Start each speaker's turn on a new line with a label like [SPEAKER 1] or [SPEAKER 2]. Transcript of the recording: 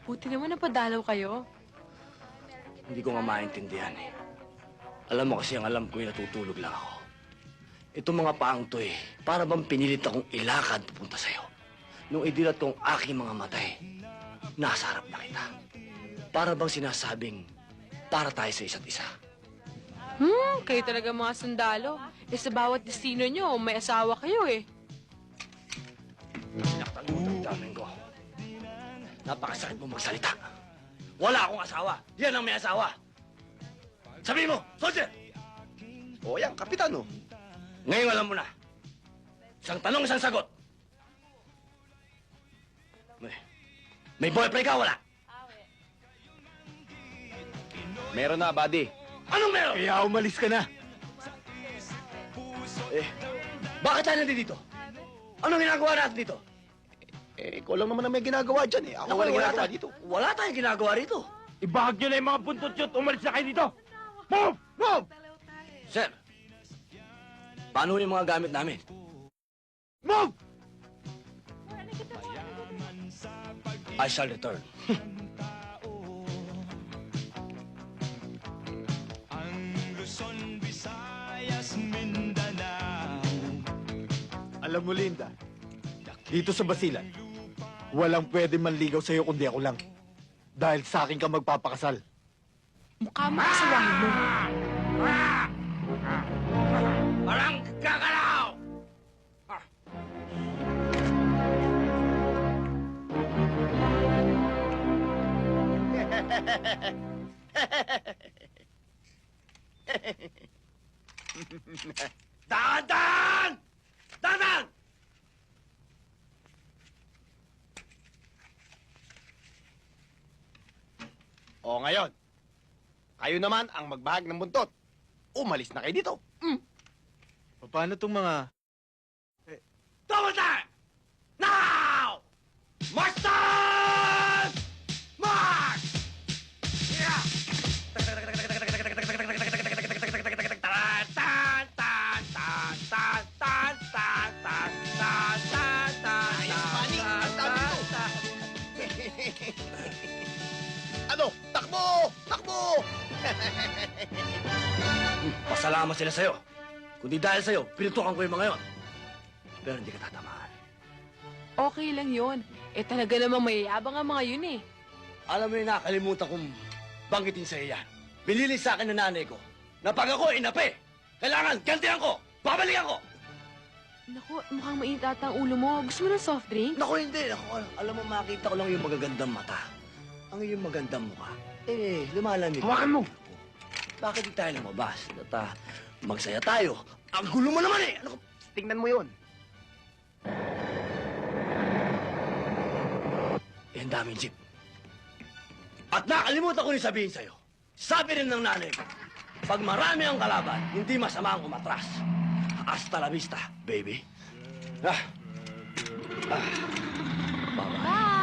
[SPEAKER 1] Buti naman napadalaw kayo.
[SPEAKER 2] Hindi ko nga maintindihan eh. Alam mo kasi ang alam ko natutulog lang ako. Itong mga paang to eh, para bang pinilit akong ilakad papunta sa'yo. Nung idilat kong aking mga matay, nasa harap na kita. Para bang sinasabing, para tayo sa isa't isa.
[SPEAKER 1] Kayo talaga mga sundalo. Eh sa bawat destino nyo, may asawa kayo eh.
[SPEAKER 2] Naktan mo ang daming ko. Napakasakit mo magsalita. Wala akong asawa. Yan ang may asawa. Sabihin mo, soldier!
[SPEAKER 3] O yan, kapitan, oh.
[SPEAKER 2] Ngayon alam mo na. Isang tanong, isang sagot. May boyfriend ka, wala?
[SPEAKER 3] Meron na, buddy.
[SPEAKER 2] Anong meron?
[SPEAKER 3] Kaya umalis ka na.
[SPEAKER 2] Bakit tayo nandito? Anong ginagawa natin dito?
[SPEAKER 3] Ikaw lang naman ang may ginagawa dyan, eh. Ako walang ginagawa dito.
[SPEAKER 2] Wala tayong ginagawa rito.
[SPEAKER 4] Ibahag nyo na yung mga buntot yun at umalis na kayo dito! Move! Move!
[SPEAKER 2] Sir, paano yung mga gamit namin?
[SPEAKER 4] Move!
[SPEAKER 2] I shall return.
[SPEAKER 5] Alam mo, Linda, dito sa Basilan, walang pwede manligaw sa'yo kundi ako lang. Dahil sa akin ka magpapakasal.
[SPEAKER 1] Mukha mo kasawahin mo.
[SPEAKER 2] Parang kakalaw! Dahan-dahan! Dahan-dahan!
[SPEAKER 3] O ngayon, kayo naman ang magbahag ng buntot. Umalis na kayo dito.
[SPEAKER 5] Paano tong mga...
[SPEAKER 2] Double time! Now! March time! March! Yeah! Tan, tan, tan, tan, tan, tan, tan, tan, tan, tan, tan,
[SPEAKER 3] Ayos, Manny. Ang dami
[SPEAKER 2] tan,
[SPEAKER 3] mo.
[SPEAKER 2] tan.
[SPEAKER 3] Ano? Takbo! Takbo!
[SPEAKER 2] Pasalamat sila sa'yo. Kundi dahil sa'yo, pinutukan ko yung mga yon. Pero hindi ka tatamaan.
[SPEAKER 1] Okay lang yon. Eh talaga namang mayayabang ang mga yun eh.
[SPEAKER 2] Alam mo yung nakalimutan kong banggitin sa'yo yan. Binili sa akin ng nanay ko na pag ako inapi, kailangan gantihan ko, babalikan ko.
[SPEAKER 1] Naku, mukhang mainit ata ang ulo mo. Gusto mo ng soft drink?
[SPEAKER 2] Naku, hindi. Naku, alam mo, makita ko lang yung magagandang mata. Ang iyong magandang mukha. Lumalamig.
[SPEAKER 4] Hawakan mo!
[SPEAKER 2] Bakit di tayo lumabas? At magsaya tayo. Ang gulo mo naman eh! Ano ka?
[SPEAKER 3] Tingnan mo yun.
[SPEAKER 2] Ang daming jeep. At nakalimutan ko rin sabihin sa'yo. Sabi rin ng nanay ko, pag marami ang kalaban, hindi masama ang umatras. Hasta la vista, baby. Bye.
[SPEAKER 1] Bye!